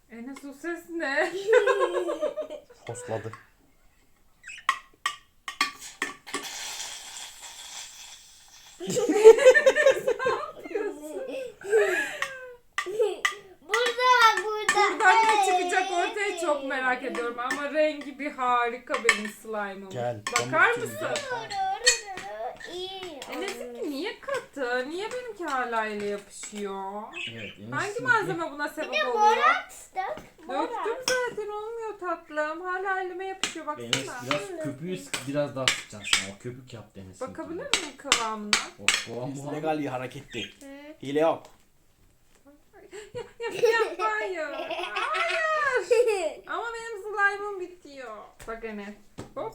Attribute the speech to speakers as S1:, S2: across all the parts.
S1: Enes o ses ne?
S2: Hosladı.
S1: Buradan ne çıkacak ortaya çok merak ediyorum ama rengi bir harika benim slime'ım.
S2: Gel,
S1: Bakar
S2: pamukçum,
S1: mısın? Enes'inki niye katı? Niye benimki hala ile yapışıyor?
S3: Evet.
S1: Hangi malzeme buna sebep oluyor? Döktüm zaten olmuyor tatlım. Hala elime yapışıyor
S3: Enes
S1: baksana.
S3: biraz köpüğü biraz daha sıkacaksın. O köpük yap Enes'in.
S1: Bakabilir miyim kıvamına?
S3: O kıvam bu.
S2: Legal bir hareketti. Hile yok.
S1: Hayır. Hayır. Ama benim slime'ım bitiyor. Bak Enes. Hop.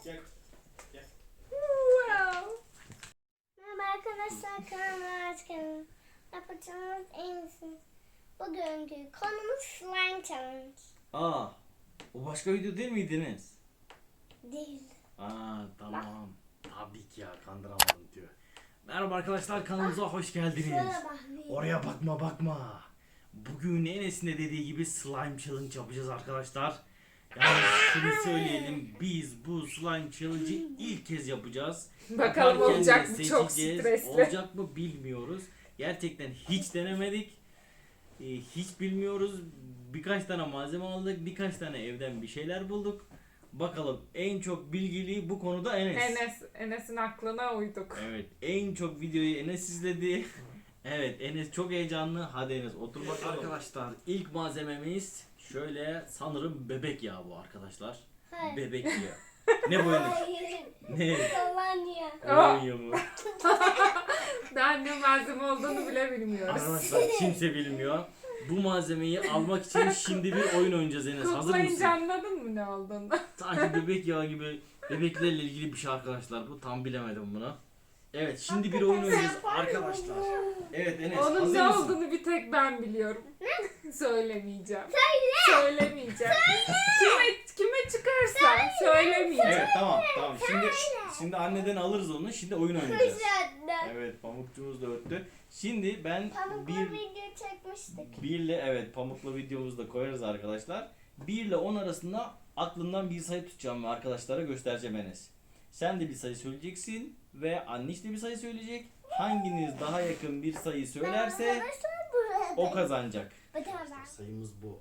S1: Wow.
S4: Merhaba arkadaşlar, kanalıma hoş geldiniz. Yapacağımız en iyisi. Bugünkü konumuz slime challenge.
S3: Aa. O başka video değil miydi Enes?
S4: Değil.
S3: Aa tamam. Tabii ki ya kandıramadım diyor. Merhaba arkadaşlar kanalımıza hoş geldiniz.
S4: Şöyle bak.
S3: Oraya bakma. Bugün Enes'in de dediği gibi slime challenge yapacağız arkadaşlar. Yani şunu söyleyelim, biz bu slime challenge'ı ilk kez yapacağız.
S1: Bakalım
S3: Yaparken
S1: olacak
S3: de
S1: mı? Çok
S3: seçeceğiz.
S1: stresli.
S3: Olacak mı bilmiyoruz. Gerçekten hiç denemedik. Hiç bilmiyoruz. Birkaç tane malzeme aldık. Birkaç tane evden bir şeyler bulduk. Bakalım en çok bilgili bu konuda Enes.
S1: Enes'in aklına uyduk.
S3: Evet, en çok videoyu Enes izledi. Evet, Enes çok heyecanlı. Hadi Enes otur bakalım. Arkadaşlar ilk malzememiz şöyle sanırım bebek yağı bu arkadaşlar.
S4: Hayır.
S3: Bebek yağı. Ne bu Enes?
S4: Hayır.
S3: Ne?
S4: Kolonya.
S3: Kolonya mı?
S1: Daha ne malzeme olduğunu bile bilmiyoruz.
S3: Arkadaşlar kimse bilmiyor. Bu malzemeyi almak için şimdi bir oyun oynayacağız Enes. Hazır mısın?
S1: Koklayınca anladın mı ne olduğunu?
S3: Sanki bebek yağı gibi bebeklerle ilgili bir şey arkadaşlar. Bu tam bilemedim bunu. Evet şimdi bir oyun oynayacağız arkadaşlar. Evet Enes
S1: Onun
S3: hazır
S1: ne
S3: mısın?
S1: olduğunu bir tek ben biliyorum. Söylemeyeceğim. Söylemeyeceğim. Kime çıkarsa söylemeyeceğim.
S3: Evet tamam. Şimdi anneden alırız onu. Şimdi oyun oynayacağız.
S4: Kuşatlar.
S3: Evet pamukçumuz da öttü. Şimdi ben
S4: Pamukla
S3: bir
S4: video çekmiştik.
S3: birle evet pamukla videomuzu da koyarız arkadaşlar. 1 ile 10 arasında aklımdan bir sayı tutacağım ve arkadaşlara göstereceğim Enes. Sen de bir sayı söyleyeceksin ve anneş de bir sayı söyleyecek. Hanginiz daha yakın bir sayı söylerse o kazanacak. Sayımız bu.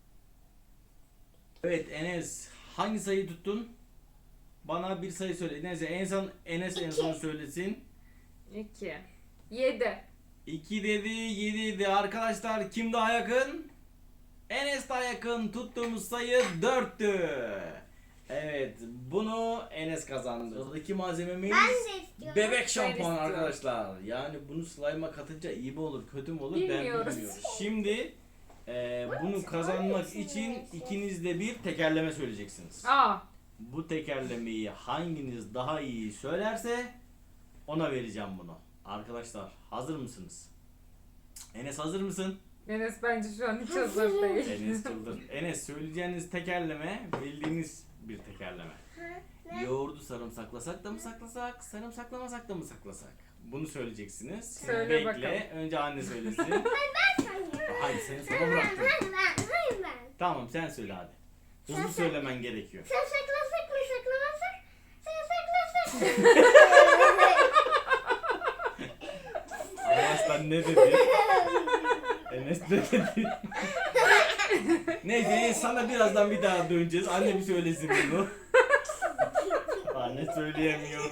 S3: Evet Enes hangi sayıyı tuttun? Bana bir sayı söyle. Enes en son söylesin.
S1: 2. 7.
S3: 2 dedi, 7 dedi. Arkadaşlar kim daha yakın? Enes daha yakın. Tuttuğumuz sayı 4'tü. Evet, bunu Enes kazandı. Sıradaki malzememiz
S4: Ben de istiyorum.
S3: bebek şampuanı
S1: istiyorum.
S3: arkadaşlar. Yani bunu slime'a katınca iyi mi olur, kötü mü olur
S1: Bilmiyoruz.
S3: ben bilmiyorum. Şimdi bunu kazanmak için ikiniz de bir tekerleme söyleyeceksiniz.
S1: Aa.
S3: Bu tekerlemeyi hanginiz daha iyi söylerse ona vereceğim bunu. Arkadaşlar hazır mısınız? Enes hazır mısın?
S1: Enes bence şu an hiç hazır değil.
S3: Enes çıldır. Enes söyleyeceğiniz tekerleme bildiğiniz bir tekerleme.
S4: Ne?
S3: Yoğurdu sarımsaklasak da mı saklasak, sarımsaklamasak da mı saklasak? Bunu söyleyeceksiniz.
S1: Söyle
S3: Bekle.
S1: bakalım.
S3: Önce anne söylesin.
S4: Ben söylüyorum.
S3: Hadi seni sana bıraktım.
S4: Hayır ben.
S3: Tamam sen söyle hadi. Hızlı söylemen gerekiyor.
S4: Sen saklasak mı saklamazsak? Sen saklasak.
S3: Arkadaşlar ne dedi? Enes ne dedi? Neyse Enes sana birazdan bir daha döneceğiz. Anne bir söylesin bunu. Anne söyleyemiyor.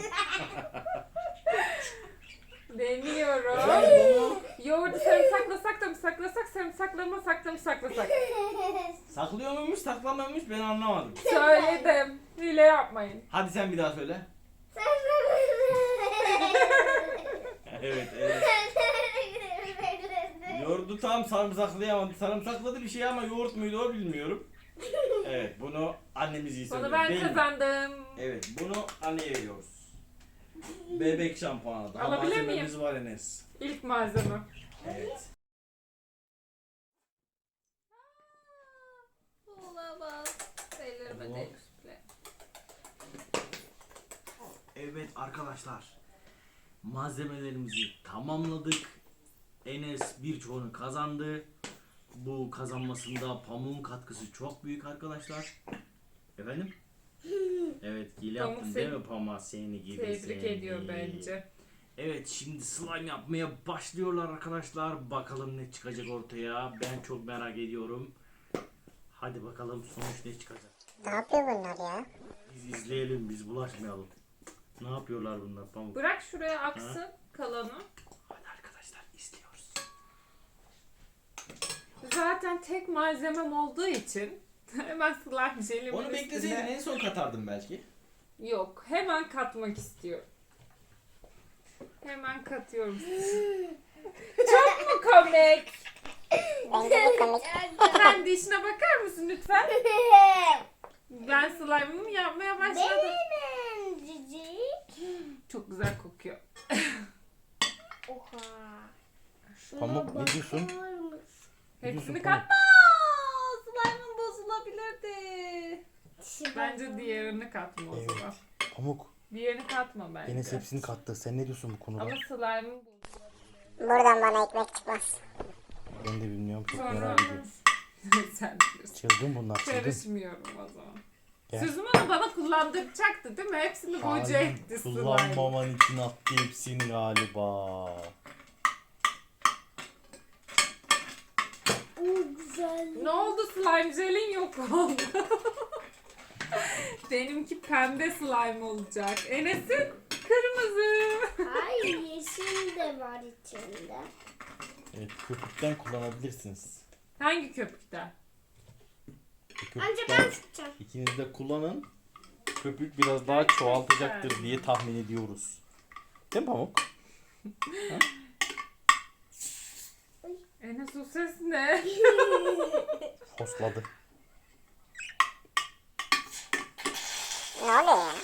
S1: Deniyorum.
S3: Bunu
S1: Yoğurdu sarımsaklasak da mı saklasak, sarımsaklamasak da mı saklasak?
S3: saklıyor muymuş saklamıyor muymuş ben anlamadım.
S1: Söyledim. Hile yapmayın.
S3: Hadi sen bir daha söyle. Evet evet. Yoğurdu tam sarımsaklayamadı. Sarımsakladı bir şey ama yoğurt muydu o bilmiyorum. Evet bunu annemiz iyi
S1: Onu
S3: söyledi
S1: ben
S3: değil mi?
S1: kazandım.
S3: Evet bunu anneye veriyoruz. Bebek şampuanı. Daha
S1: Alabilir miyim?
S3: malzememiz var Enes.
S1: İlk malzeme.
S3: Evet.
S1: Olamaz. Ellerime
S3: Tamam.
S1: değmiş bile.
S3: Evet arkadaşlar. Malzemelerimizi tamamladık. Enes birçoğunu kazandı. bu kazanmasında Pamuk'un katkısı çok büyük arkadaşlar. Efendim? Evet, hile
S1: Pamuk
S3: yaptın
S1: seni
S3: değil mi Pamuk, seni gibi
S1: Tebrik
S3: seni.
S1: ediyor bence.
S3: Evet, şimdi slime yapmaya başlıyorlar arkadaşlar. Bakalım ne çıkacak ortaya. Ben çok merak ediyorum. Hadi bakalım sonuç ne çıkacak.
S4: Ne yapıyor bunlar ya?
S3: Biz izleyelim, biz bulaşmayalım. Ne yapıyorlar bunlar Pamuk?
S1: Bırak şuraya aksın kalanı.
S3: Hadi arkadaşlar izliyoruz.
S1: Zaten tek malzemem olduğu için hemen slime jelimin
S2: Onu bekleseydin
S1: üstüne...
S2: en son katardım belki.
S1: Yok, hemen katmak istiyorum. Hemen katıyorum. Çok mu komik?
S4: Bence de komik.
S1: Sen de işine bakar mısın lütfen? Ben slime'ımı yapmaya başladım.
S4: Benim cicik.
S1: Çok güzel kokuyor.
S4: Oha.
S2: Pamuk ne diyorsun?
S1: Hepsini
S2: Pamuk?
S1: katma. Slime'ım bozulabilirdi. Bence diğerini katma o
S2: Evet.
S1: zaman.
S2: Pamuk.
S1: Diğerini katma bence.
S2: Enes hepsini kattı. Sen ne diyorsun bu konuda?
S1: Ama slime'ım bozuldu.
S4: Buradan bana ekmek çıkmaz.
S2: Ben de bilmiyorum. Çok
S1: Sonra
S2: merak ediyorum.
S1: sen diyorsun.
S2: Çılgın bunlar çılgın.
S1: Karışmıyorum o zaman.
S2: Gel.
S1: Sözümü onu bana kullandıracaktı değil mi? Hepsini boca etti slime.
S2: Kullanmaman için attı hepsini galiba.
S4: Güzel.
S1: Ne oldu, slime jelin yok oldu. Benimki pembe slime olacak. Enes'in kırmızı.
S4: Hayır, yeşil de var içinde.
S2: Evet, köpükten kullanabilirsiniz.
S1: Hangi köpükten?
S4: Önce ben tutacağım.
S2: İkiniz de kullanın. Köpük biraz daha çoğaltacaktır diye tahmin ediyoruz. Değil mi Pamuk?
S1: Enes o ses ne?
S2: Hosladı.
S4: Ne oluyor ya?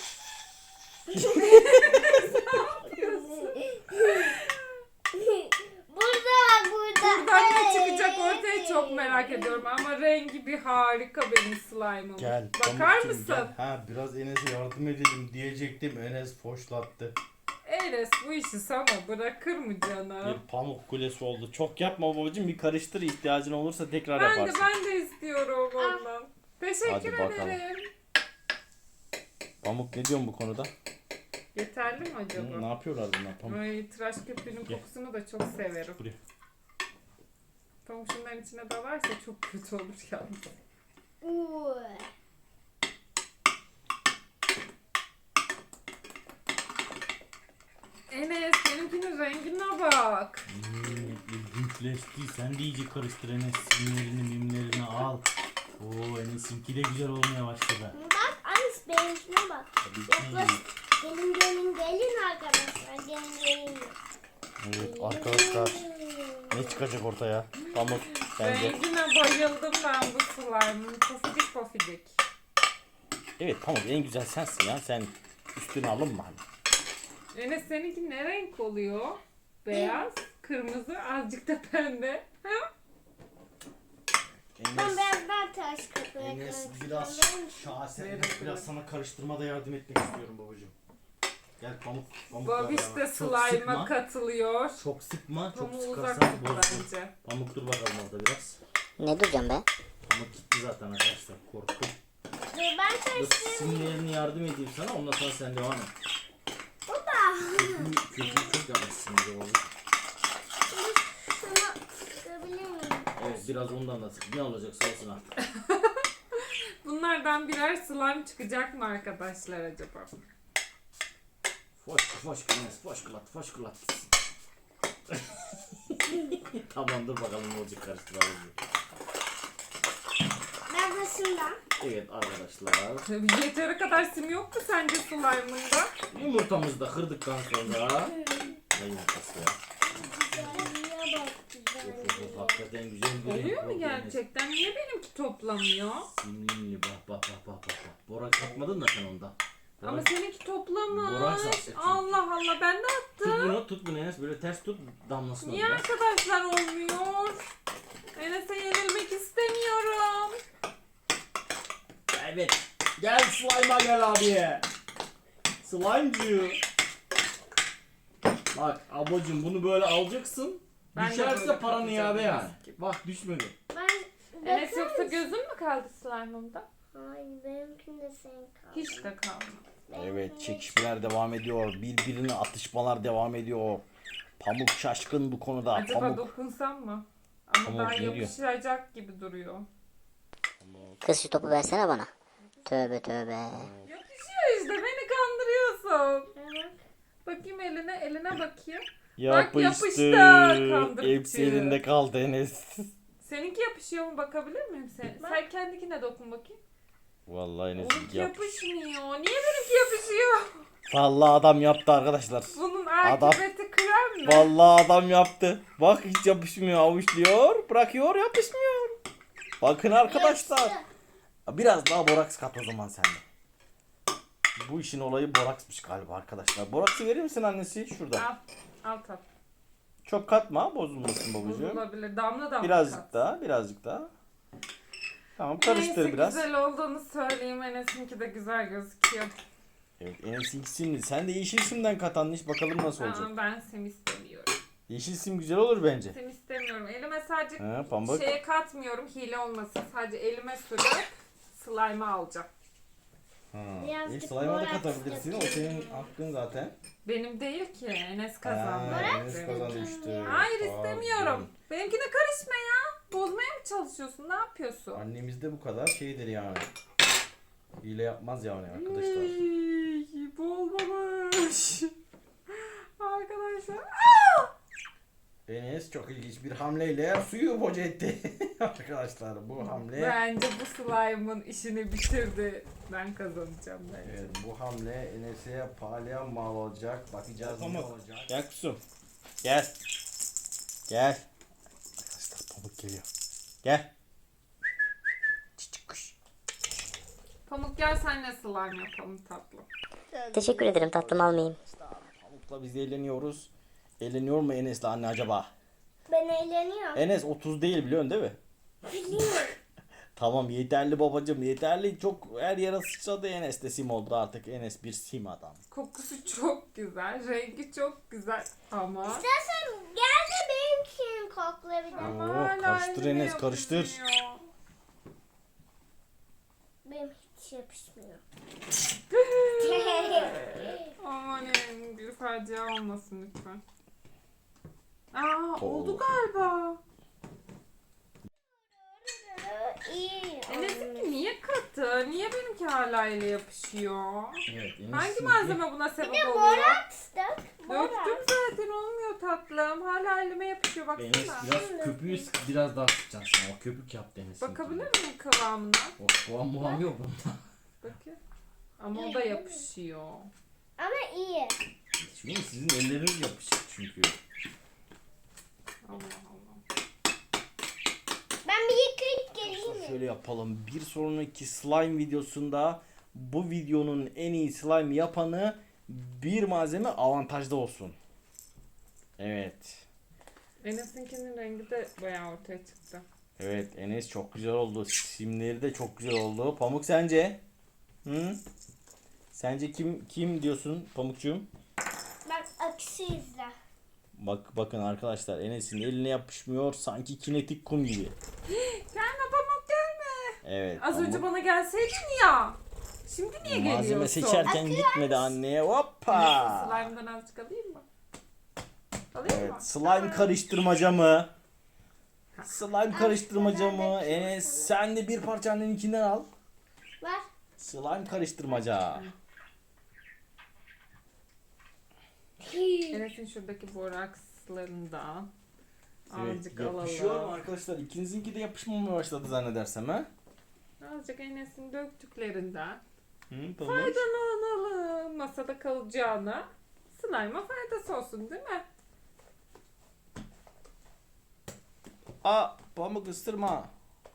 S4: Burada.
S1: Buradan ne çıkacak ortaya çok merak ediyorum ama rengi bir harika benim slime'ım.
S2: Gel.
S1: Bakar
S2: Pamukcuğum,
S1: mısın?
S2: gel. Ha, biraz Enes'e yardım edelim diyecektim. Enes foşlattı.
S1: Enes bu işi sana bırakır mı canım?
S2: Bir pamuk kulesi oldu. Çok yapma babacığım. Bir karıştır, ihtiyacın olursa tekrar yaparsın.
S1: Ben de istiyorum ondan. Teşekkür
S2: Hadi bakalım.
S1: ederim.
S2: Pamuk ne diyorsun bu konuda?
S1: Yeterli mi acaba?
S2: Ne yapıyorlar bunlar Pamuk?
S1: Ay, tıraş köpüğünün
S2: Gel.
S1: kokusunu da çok severim.
S2: Buraya.
S1: Pamuk şunların içine dalarsa çok kötü olur yalnız. Enes benimkinin rengine bak.
S2: İlginçleşti. Sen de iyice karıştır Enes. Simlerini mimlerini al. Oo, Enes'inki de güzel olmaya başladı.
S4: Bak Alice, benimkine bak.
S2: Tabii ki.
S4: Yaklaş. Gelin arkadaşlar. Gelin.
S2: Evet arkadaşlar. Ne çıkacak ortaya? Pamuk bence.
S1: Rengine bayıldım ben bu slime'ın. Pofidik pofidik.
S2: Evet Pamuk en güzel sensin ya. Sen üstüne alınma hani.
S1: Enes seninki ne renk oluyor? Beyaz, kırmızı, azıcık da pembe. Ha?
S4: Ben birazdan taş kapıya
S2: Enes
S4: karıştırayım.
S2: biraz şahsen
S1: Evet,
S2: biraz
S1: evet.
S2: sana karıştırmada yardım etmek istiyorum babacığım. Gel Pamuk. Pamuk
S1: Babiş
S2: ver
S1: de
S2: bana. Çok sıkma.
S1: slime'a katılıyor.
S2: Çok sıkma. Çok
S1: Pamuğu uzak
S2: sıkarsan
S1: tut
S2: bozulur.
S1: bence.
S2: Pamuk dur bakalım orada biraz.
S4: Ne diyeceğim be?
S2: Pamuk gitti zaten arkadaşlar. Korktum.
S4: Ben
S2: Dur
S4: karıştırayım.
S2: simlerini yardım edeyim sana. Ondan sonra sen devam et.
S4: Baba.
S2: Köpüğü çok yapmışsın bir de babacığım.
S4: Sana sıkabilir miyim?
S2: Evet biraz ondan da sık. Ne olacaksa olsun artık.
S1: Bunlardan birer slime çıkacak mı arkadaşlar acaba?
S2: Foş kılat. Tamam dur bakalım ne olacak karıştıralım.
S4: Ben başımdan.
S2: Evet arkadaşlar.
S1: Yeteri kadar sim yok mu sence slime'ında?
S2: Yumurtamızı da kırdıktan sonra. Ne yumurtası ya?
S4: Güzelliğe bak, güzelliğe.
S2: Of, hakikaten güzel bir renk
S1: Oluyor mu
S2: oldu
S1: gerçekten? Niye benimki toplamıyor?
S2: Enes. Simli bak. Borak katmadın da sen onda.
S1: Ama
S2: Borak-
S1: seninki
S2: Borak
S1: toplamış.
S2: saçlı çünkü.
S1: Allah Allah, ben de attım.
S2: Tut bunu Enes böyle ters tut damlasın
S1: Niye
S2: orada.
S1: arkadaşlar olmuyor? Enes'e yenilmek istemiyorum.
S2: Evet. Gel slime'a gel abi. Slime'cı. Bak ablacığım bunu böyle alacaksın.
S1: Ben de
S2: Düşerse
S1: böyle
S2: paranı
S1: kapacağım
S2: iade yani.
S1: Enes gibi.
S2: Bak düşmedi.
S4: Ben
S1: Enes yoksa gözün mü kaldı slime'ımda?
S4: Hayır benimkinde senin kaldı.
S1: Hiç de kalmadı.
S3: Evet, çekişmeler devam ediyor. Birbirine atışmalar devam ediyor. Pamuk şaşkın bu konuda.
S1: Acaba
S3: Pamuk.
S1: dokunsam mı? Ama
S3: Pamuk
S1: daha
S3: ne diyor?
S1: yapışacak gibi duruyor.
S5: Kız şu topu versene bana. Tövbe tövbe.
S1: Yapışıyor işte, beni kandırıyorsun.
S4: Evet.
S1: Bakayım eline bakayım.
S3: Yapıştı.
S1: yapıştı, kandırıcı.
S3: Hepsi elinde kaldı Enes.
S1: Seninki yapışıyor mu, bakabilir miyim sen? Sen kendikine dokun bakayım.
S3: Vallahi Enes
S1: Onunki yapışmıyor. Niye benimki yapışıyor?
S3: Vallahi adam yaptı arkadaşlar.
S1: Bunun
S3: Adam-
S1: akıbeti krem mi?
S3: Vallahi adam yaptı. Bak hiç yapışmıyor, avuçluyor, bırakıyor, yapışmıyor. Bakın arkadaşlar.
S4: Yapıştı.
S3: Biraz daha boraks kat o zaman sen de. Bu işin olayı boraksmış galiba arkadaşlar. Boraksı verir misin annesi? Şurada.
S1: Al tat.
S3: Çok katma, bozulmasın babacığım.
S1: Bozulabilir. Damla
S3: Birazcık
S1: kat.
S3: daha, birazcık daha. Tamam, karıştır
S1: Neyse,
S3: biraz.
S1: güzel olduğunu söyleyeyim. Enes'inki de güzel gözüküyor.
S3: Evet, Enes'in simli. Sen de yeşil simden kat anneş, bakalım nasıl olacak.
S1: Aa, ben sim istemiyorum.
S3: Yeşil sim güzel olur bence.
S1: Sim istemiyorum. Elime sadece
S3: He, pamuk.
S1: şeye katmıyorum. Hile olmasın. Sadece elime sürüp slime'ı alacağım.
S4: Birazcık
S3: Slime'a da
S4: boraks
S3: katabilirsin. O
S4: döküyorum.
S3: senin hakkın zaten.
S1: Benim değil ki. Enes kazandı.
S3: Enes kazanmıştı.
S1: Hayır,
S3: Pardon.
S1: istemiyorum. Benimkine karışma ya. Bozmaya mı çalışıyorsun? Ne yapıyorsun?
S3: Annemiz de bu kadar şeydir yani. Hile yapmaz yani arkadaşlar.
S1: Ey, bu olmamış. Arkadaşlar.
S3: Enes çok ilginç bir hamleyle suyu boca etti. Arkadaşlar bu hamle.
S1: Bence bu slime'ın işini bitirdi. Ben kazanacağım bence.
S3: Evet, bu hamle Enes'e pahalıya mal olacak. Bakacağız ne olacak. Gel kusum. Gel. Gel. Arkadaşlar pamuk geliyor. Gel. Çiçek kuş.
S1: Pamuk gel senle slime yapalım tatlım.
S5: Teşekkür ederim tatlım almayayım.
S3: Pamukla biz eğleniyoruz. Eğleniyor mu Enes'le anne acaba?
S4: Ben eğleniyorum.
S3: Enes 30 değil biliyorsun değil mi? Tamam yeterli babacım yeterli. Çok her yere sıçradı Enes de sim oldu artık. Enes bir sim adam.
S1: Kokusu çok güzel, rengi çok güzel ama...
S4: İstersen gel de benimkini kokla bir de.
S1: ama
S3: Oo,
S1: hala
S3: karıştır
S1: elime
S3: Enes, karıştır.
S1: yapışmıyor.
S4: Benim hiç yapışmıyor.
S1: Aman bir facia olmasın lütfen. Aa,
S3: Oo.
S1: oldu galiba.
S4: İyi.
S1: Enes'inki niye katı? Niye benimki hala ele yapışıyor?
S3: Evet, Enes
S1: Hangi
S3: sinsi.
S1: malzeme buna sebep oluyor?
S4: Boraks dök.
S1: Döktüm
S4: Boraks.
S1: zaten, olmuyor tatlım. Hala elime yapışıyor,
S2: Enes
S1: baksana.
S2: biraz köpüğü biraz daha sıkacaksın. O köpük yaptı Enes'in.
S1: Bakabilir miyim kıvamına?
S2: O kıvam muam yok bunda.
S1: Bakayım. Ama o da yapışıyor.
S4: Ama iyi.
S2: Çünkü sizin elleriniz yapışık çünkü.
S1: Allah Allah.
S4: Ben bir yıkayıp geleyim mi?
S3: Şöyle yapalım. Bir sonraki slime videosunda bu videonun en iyi slime yapanı bir malzeme avantajda olsun. Evet.
S1: Enes'inkinin rengi de bayağı ortaya çıktı.
S3: Evet Enes çok güzel oldu. Simleri de çok güzel oldu. Pamuk sence? Hı? Sence kim diyorsun Pamukcuğum?
S4: Bak akışı izle.
S3: Bakın arkadaşlar Enes'in eline yapışmıyor sanki kinetik kum gibi.
S1: Gelme Pamuk, gelme.
S3: Evet.
S1: Az
S3: Pamuk
S1: önce bana gelseydin ya. Şimdi niye geliyorsun?
S3: malzeme seçerken gitmedi anneye. Hoppa.
S1: Slime'dan azıcık alayım mı? Alayım mı?
S3: Evet, slime karıştırmaca mı? Slime karıştırmaca mı? Enes sen de bir parça anneninkinden al.
S4: Var.
S3: Slime karıştırmaca.
S1: Enes'in şuradaki borakslarından
S3: Evet,
S1: azıcık
S3: yapışıyor mu
S1: alalım.
S3: arkadaşlar? İkinizinki de yapışmamaya başladı zannedersem ha?
S1: Azıcık Enes'in döktüklerinden
S3: Hı, tamam.
S1: faydalanalım. Masada kalacağına slime'a faydası olsun değil mi?
S3: Aa, pamuk ısırma.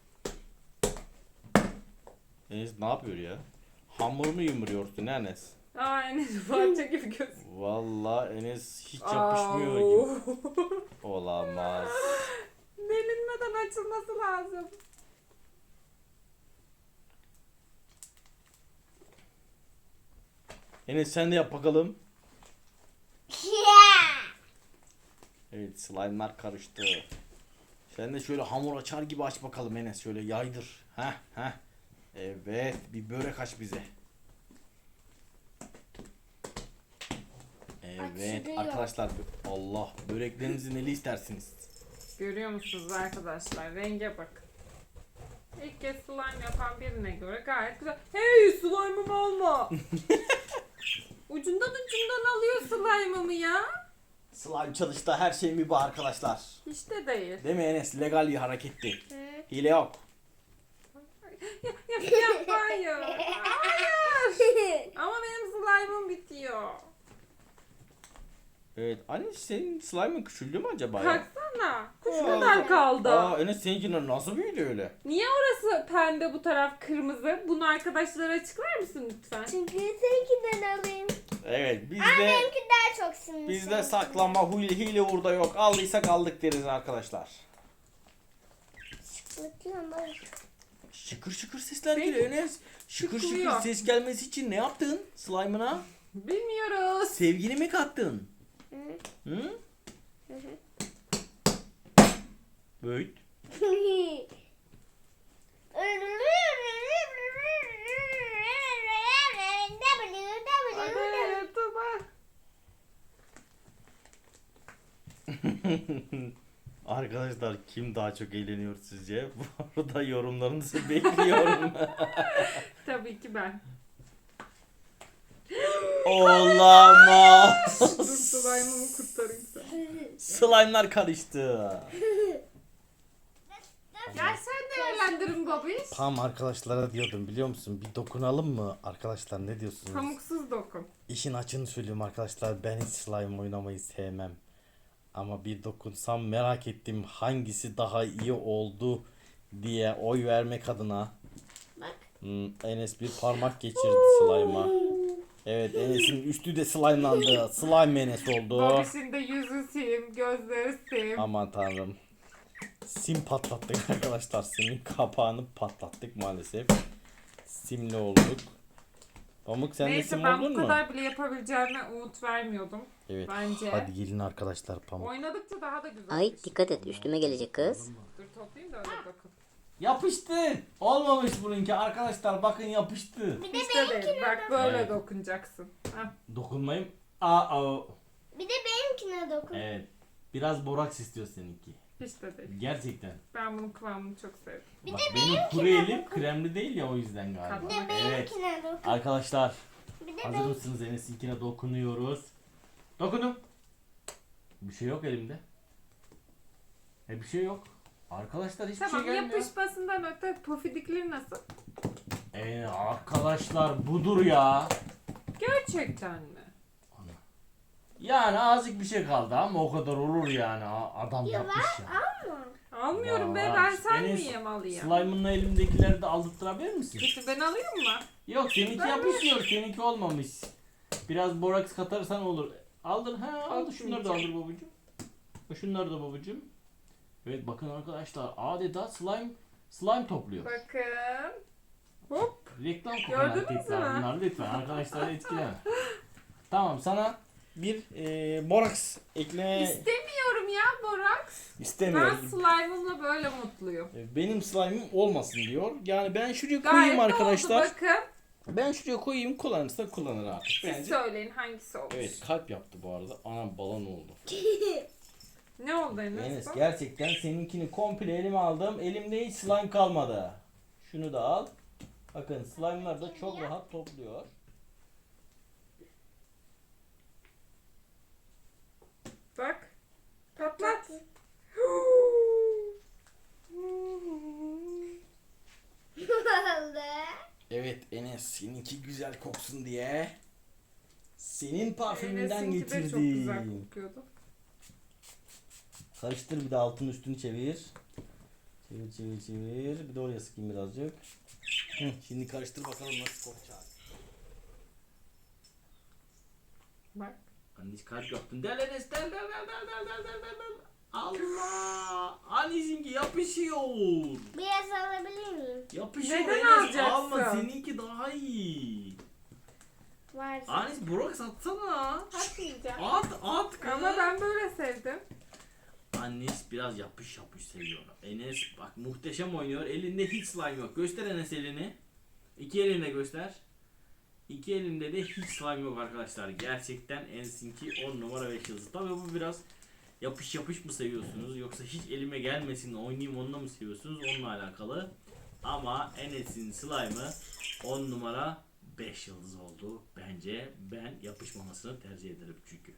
S3: Enes ne yapıyor ya? Hamur mu yumruyorsun Enes?
S1: Aa, Enes parça gibi gözüküyor.
S3: Vallahi Enes hiç yapışmıyor gibi. Olamaz.
S1: Delinmeden açılması lazım.
S3: Enes sen de yap bakalım. Evet slime'lar karıştı. Sen de şöyle hamur açar gibi aç bakalım Enes. Şöyle yaydır. Heh. Evet. Bir börek aç bize. Evet
S4: Açılıyor.
S3: arkadaşlar. Allah. Böreklerinizi neli istersiniz?
S1: Görüyor musunuz arkadaşlar? Renge bakın. İlk kez slime yapan birine göre gayet güzel. Hey, slime'ımı alma. ucundan alıyor slime'ımı ya.
S3: Slime çalıştı. Her şey mübah arkadaşlar.
S1: Hiç de değil.
S3: Değil mi Enes? Legal bir hareketti.
S1: Evet.
S3: Hile yok.
S1: Hayır. Hayır. Ama benim slime'ım bitiyor.
S3: Evet. Anne senin slime'ın küçüldü mü acaba ya?
S1: Baksana. Kuş kadar kaldı.
S3: Aa Enes seninkiler nasıl büyüdü öyle?
S1: Niye orası pembe, bu taraf kırmızı? Bunu arkadaşlara açıklar mısın lütfen?
S4: Çünkü seninkinden alayım.
S3: Evet bizde
S4: Benimki daha çok sinirli.
S3: bizde saklanma hile hurda yok. Aldıysak aldık deriz arkadaşlar.
S4: Bakıyorum bak.
S3: Şıkır şıkır sesler
S1: Peki.
S3: geliyor Enes. Şıkır
S1: Çıkılıyor.
S3: şıkır ses gelmesi için ne yaptın slime'ına?
S1: Bilmiyoruz.
S3: Sevgini mi kattın? Hı? Böyle.
S1: Hadi YouTube'a.
S3: Arkadaşlar kim daha çok eğleniyor sizce? Bu arada yorumlarınızı bekliyorum.
S1: Tabii ki ben.
S3: Olamaz.
S1: Dur slime'ımı kurtarayım sen.
S3: Slime'lar karıştı.
S1: Gel sen değerlendirin babiş.
S3: Tam arkadaşlara diyordum biliyor musun? Bir dokunalım mı? Arkadaşlar ne diyorsunuz?
S1: Pamuksuz dokun.
S3: İşin açığını söyleyeyim arkadaşlar. Ben hiç slime oynamayı sevmem. Ama bir dokunsam merak ettim hangisi daha iyi oldu diye oy vermek adına.
S4: Bak.
S3: Enes bir parmak geçirdi slime'a. Evet Enes'in üstü de slime'landı. Slime Enes oldu.
S1: Babişin de yüzü sim, gözleri sim.
S3: Aman tanrım. Sim patlattık arkadaşlar. Simin kapağını patlattık maalesef. Simli olduk. Pamuk sen de
S1: Neyse
S3: sim
S1: ben
S3: oldun
S1: bu
S3: mu?
S1: kadar bile yapabileceğime umut vermiyordum.
S3: Evet.
S1: Bence.
S3: Hadi gelin arkadaşlar Pamuk.
S1: Oynadıkça daha da güzel.
S5: Ay dikkat et üstüme gelecek kız.
S1: Dur toplayayım da öyle dokun.
S3: Yapıştı. Olmamış bununki arkadaşlar bakın yapıştı.
S1: İşte değil. Bak böyle
S3: Evet.
S1: dokunacaksın. Heh.
S3: Dokunmayayım. Aa.
S4: Bir de benimkine dokun.
S3: Evet. Biraz boraks istiyor seninki.
S1: Hiç de değil.
S3: Gerçekten.
S1: Ben bunun kıvamını çok sevdim.
S3: Bak, benim kuru elim kremli değil ya o yüzden galiba.
S4: Bir de
S3: Evet.
S4: benimkine dokun.
S3: Arkadaşlar
S4: Bir de
S3: hazır mısınız? Enes'inkine dokunuyoruz. Dokundum. Bir şey yok elimde. Bir şey yok. Arkadaşlar hiçbir
S1: Tamam
S3: şey gelmiyor.
S1: yapışmasından öte pofidikleri nasıl?
S3: Arkadaşlar budur ya.
S1: Gerçekten mi?
S3: Yani azıcık bir şey kaldı ama o kadar olur yani. Adam yapmış ya.
S1: Almıyorum be,
S3: Vay.
S1: ben sen
S3: Enes,
S1: miyim alayım?
S3: Slime'ınla elimdekileri de aldırtırabilir misin?
S1: Peki ben alayım mı?
S3: Yok seninki
S1: Ben
S3: yapışıyor. Seninki olmamış. Biraz boraks katarsan olur. Aldır. Aldır. Şunları da aldır babacığım. Şunları da babacığım. Evet bakın arkadaşlar adeta slime topluyor.
S1: Bakın. Hop.
S3: Reklam kokan
S1: Gördünüz
S3: hareketler
S1: mü?
S3: bunlar lütfen arkadaşlar etkileme. Tamam sana bir boraks ekleme
S1: İstemiyorum ya boraks. Ben
S3: istemiyorum.
S1: slime'ımla böyle mutluyum.
S3: Benim slime'ım olmasın diyor. Yani ben şuraya
S1: Gayet
S3: koyayım
S1: de
S3: arkadaşlar.
S1: oldu bakın.
S3: Ben şuraya koyayım kullanırsa kullanır artık.
S1: Siz
S3: Bence.
S1: söyleyin hangisi olmuş.
S3: Evet kalp yaptı bu arada. Anam balon oldu.
S1: Ne oldu Enes?
S3: Enes
S1: bu?
S3: gerçekten seninkini komple elime aldım. Elimde hiç slime kalmadı. Şunu da al. Bakın slime'lar da çok rahat topluyor.
S1: Bak. Patlat.
S3: Evet Enes seninki güzel koksun diye senin parfümünden
S1: Enes'inki de çok güzel
S3: getirdim.
S1: kokuyordu.
S3: Karıştır bir de altını üstünü çevir. Çevir. Bir de oraya sıkayım birazcık. Şimdi karıştır bakalım nasıl kokacak.
S1: Bak.
S3: Annesi kalp yaptın. Del Enes del. Allah! Anneciğimki yapışıyor.
S4: Biraz alabilir miyim?
S3: Yapışıyor
S1: Neden
S3: Enes.
S1: alacaksın?
S3: Alma seninki daha iyi.
S4: Varsa.
S3: Anne Burak satsana.
S1: Atmayacağım.
S3: At kız.
S1: Ama ben böyle sevdim.
S3: Enes biraz yapış yapış seviyor. Enes bak muhteşem oynuyor. Elinde hiç slime yok. Göster Enes elini. İki elinde göster. İki elinde de hiç slime yok arkadaşlar. Gerçekten Enes'inki 10 numara 5 yıldız. Tabii bu biraz yapış yapış mı seviyorsunuz yoksa hiç elime gelmesin oynayayım onunla mı seviyorsunuz onunla alakalı. Ama Enes'in slime'ı 10 numara 5 yıldız oldu. Bence ben yapışmamasını tercih ederim çünkü.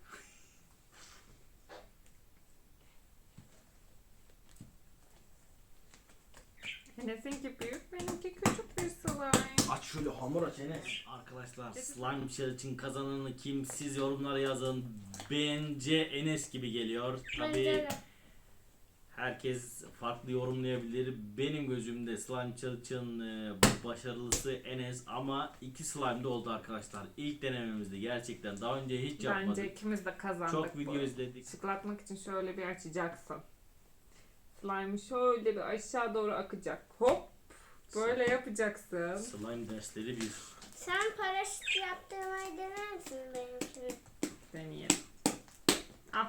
S1: Enes'inki büyük, benimki küçük bir slime.
S3: Aç şöyle hamur aç Enes. Arkadaşlar slime challenge kazananı kim siz yorumlara yazın. Bence Enes gibi geliyor.
S4: Bence
S3: Tabii
S4: de.
S3: herkes farklı yorumlayabilir. Benim gözümde slime challenge'ın başarılısı Enes ama iki slime de oldu arkadaşlar. İlk denememizde gerçekten daha önce hiç yapmadık.
S1: Bence ikimiz de kazandık.
S3: Çok video
S1: bu.
S3: izledik.
S1: Şıklatmak için şöyle bir açacaksın. Slime'ı şöyle bir aşağı doğru akacak. Hop. Böyle yapacaksın.
S3: Slime dersleri bir.
S4: Sen paraşüt yaptırmayı dener misin benimkini?
S1: Deneyelim. Al.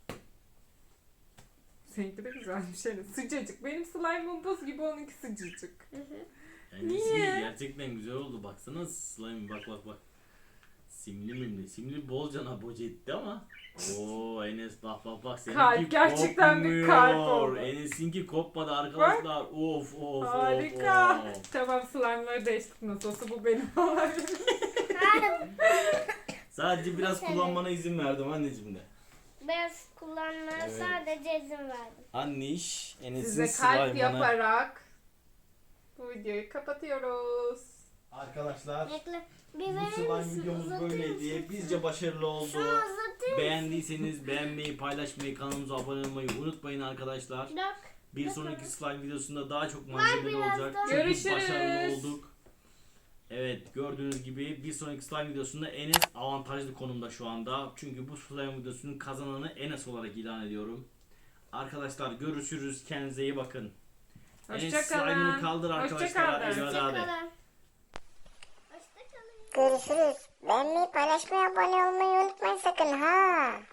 S1: Seninki de güzelmiş. Yani sıcacık. Benim slime'ım buz gibi, onunki sıcacık.
S3: Enes'in
S1: Niye?
S3: gerçekten güzel oldu. Baksana slime bak. Simli mimli. Simli bolcana boca etti ama. Oo Enes bak. Seninki
S1: Kalp, gerçekten bir kalp
S3: kopmuyor.
S1: oldu.
S3: Enes'inki kopmadı arkadaşlar. Of.
S1: Harika.
S3: Of.
S1: Tamam, slime'ları değiştik, nasıl olsa bu benim olabilir.
S3: Sadece biraz
S4: Mesela.
S3: kullanmana izin verdim anneciğim de.
S4: Biraz kullanmaya
S3: Evet.
S4: sadece izin verdim.
S3: Anniş Enes'in
S1: Size kalp
S3: slime'ını.
S1: yaparak bu videoyu kapatıyoruz.
S3: Arkadaşlar
S4: Bekle. Bir
S3: bu
S4: verir
S3: slime
S4: misin?
S3: videomuz
S4: Uzatır
S3: böyleydi.
S4: mısın?
S3: Bizce başarılı oldu.
S4: Şunu uzatır mısın?
S3: Beğendiyseniz beğenmeyi, paylaşmayı, kanalımıza abone olmayı unutmayın arkadaşlar.
S4: Bak.
S3: Bir sonraki slime videosunda daha çok malzemeli
S4: biraz
S3: olacak.
S4: daha.
S3: Çünkü
S1: Görüşürüz.
S3: başarılı olduk. Evet, gördüğünüz gibi bir sonraki slime videosunda Enes avantajlı konumda şu anda. Çünkü bu slime videosunun kazananı Enes olarak ilan ediyorum. Arkadaşlar görüşürüz. Kendinize iyi bakın. Enes slime'ını kaldır arkadaşlar.
S1: Hoşça kalın.
S3: Eyvallah de.
S4: Hoşçakalın. Hoşçakalın.
S5: Görüşürüz. Beğenmeyi, paylaşmayı, abone olmayı unutmayın sakın ha.